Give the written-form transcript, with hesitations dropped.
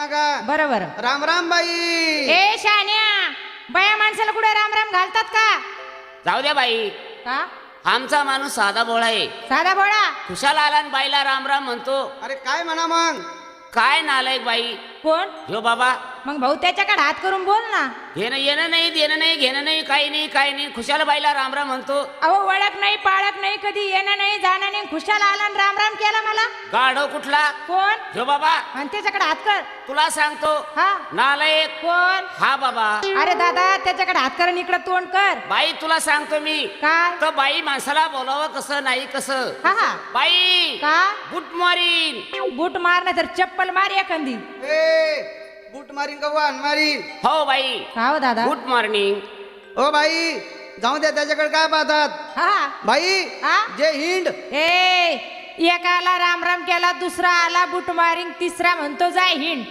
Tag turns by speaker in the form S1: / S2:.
S1: ना का
S2: बरोबर.
S1: राम राम बाई.
S2: ए शान्या, बाया माणसाला कुठे राम राम घालतात का?
S3: जाऊ द्या बाई,
S2: का
S3: आमचा माणूस साधा भोळा आहे.
S2: साधा भोळा?
S3: खुशाल आला आणि बाईला राम राम म्हणतो.
S1: अरे काय म्हणा मग.
S3: काय नालायक बाई
S2: कोण?
S3: ह्यो बाबा.
S2: मग भाऊ त्याच्याकडे हात करून बोल ना.
S3: घेणं येणं नाही, देणं नाही, घेणं नाही, काही नाही, काही नाही. खुशाल बाईला राम राम म्हणतो.
S2: अहो ओळख नाही पाळख नाही, कधी येणं नाही जाणं नाही, खुशाल आला आणि राम राम केला मला.
S3: गाढव कुठला?
S2: कोण?
S3: ह्यो बाबा.
S2: आणि त्याच्याकडे हात कर.
S3: तुला सांगतो
S2: हा
S3: नालायक.
S2: कोण?
S3: हा बाबा.
S2: अरे दादा त्याच्याकडे हात कर आणि इकडे तोंड कर.
S3: बाई तुला सांगतो मी.
S2: काय?
S3: तर बाई माणसाला बोलावं कसं नाही कसं.
S2: हा हा.
S3: बाई
S2: का?
S3: Good morning.
S2: बूट मार नाही तर चप्पल मार एखादी.
S1: ए बूट मारीन का वाहन मारीन.
S3: हो बाई
S2: का हो दादा?
S3: Good morning.
S1: ओ बाई जाऊ द्या, त्याच्याकडे काय पाहतात.
S2: हा
S1: बाई
S2: हा?
S1: जे हिंड.
S2: ए एकाला राम राम केला, दुसरा आला बूट मारिंग, तिसरा म्हणतो जाय हिंड.